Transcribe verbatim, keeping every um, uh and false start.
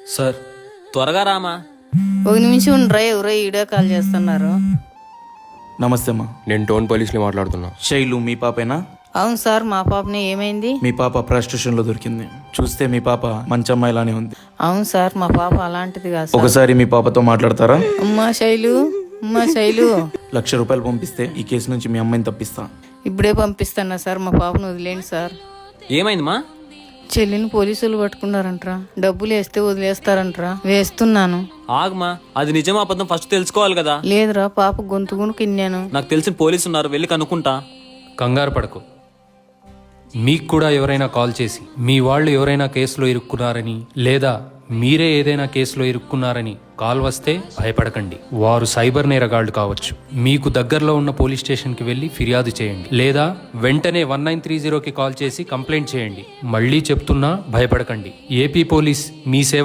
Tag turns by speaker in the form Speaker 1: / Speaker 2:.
Speaker 1: Sir త్వరగా రామా.
Speaker 2: ఒక నిమిషం ఉండరా, ఎవరో వీడియో కాల్ చేస్తున్నారు.
Speaker 3: నమస్తే అమ్మా.
Speaker 4: నేను టోన్ పోలీస్ని మాట్లాడుతున్నా.
Speaker 3: శైలు మీ పాపేనా?
Speaker 2: అవును సార్, మా పాపని. ఏమైంది?
Speaker 3: మీ పాప ప్రాస్టిట్యూషన్ లో దొరికింది. చూస్తే మీ పాప మంచి అమ్మాయిలానే ఉంది.
Speaker 2: అవును సార్, మా పాప అలాంటిది కాదు సార్.
Speaker 3: ఒకసారి మీ పాపతో మాట్లాడతారా?
Speaker 2: అమ్మా శైలు, అమ్మా శైలు.
Speaker 3: లక్ష రూపాయలు పంపిస్తే ఈ కేసు నుంచి మీ అమ్మాయిని తప్పిస్తా.
Speaker 2: ఇప్పుడే పంపిస్తున్నా సార్, మా పాపను వదిలేండి సార్.
Speaker 1: ఏమైందమ్మా?
Speaker 2: చెల్లిని పోలీసులు పట్టుకున్నారంట్రా. డబ్బులు వేస్తే వదిలేస్తారంట్రా. వేస్తున్నాను.
Speaker 1: ఆగమా, అది నిజమా అబద్ధం ఫస్ట్ తెలుసుకోవాలి కదా.
Speaker 2: లేదురా, పాప గొంతుగును కిన్నాను.
Speaker 1: నాకు తెలిసిన పోలీసు ఉన్నారు, వెళ్ళి కనుక్కుంటా.
Speaker 5: కంగారు పడకు. మీకు కూడా ఎవరైనా కాల్ చేసి మీ వాళ్ళు ఎవరైనా కేసులో ఇరుక్కున్నారని లేదా మీరే ఏదైనా కేసులో ఇరుక్కున్నారని కాల్ వస్తే భయపడకండి. వారు సైబర్ నేరగాళ్లు కావచ్చు. మీకు దగ్గరలో ఉన్న పోలీస్ స్టేషన్కి వెళ్ళి ఫిర్యాదు చేయండి, లేదా వెంటనే వన్ నైన్ త్రీ జీరోకి కాల్ చేసి కంప్లైంట్ చేయండి. మళ్ళీ చెప్తున్నా, భయపడకండి. ఏపీ పోలీస్ మీ సేవ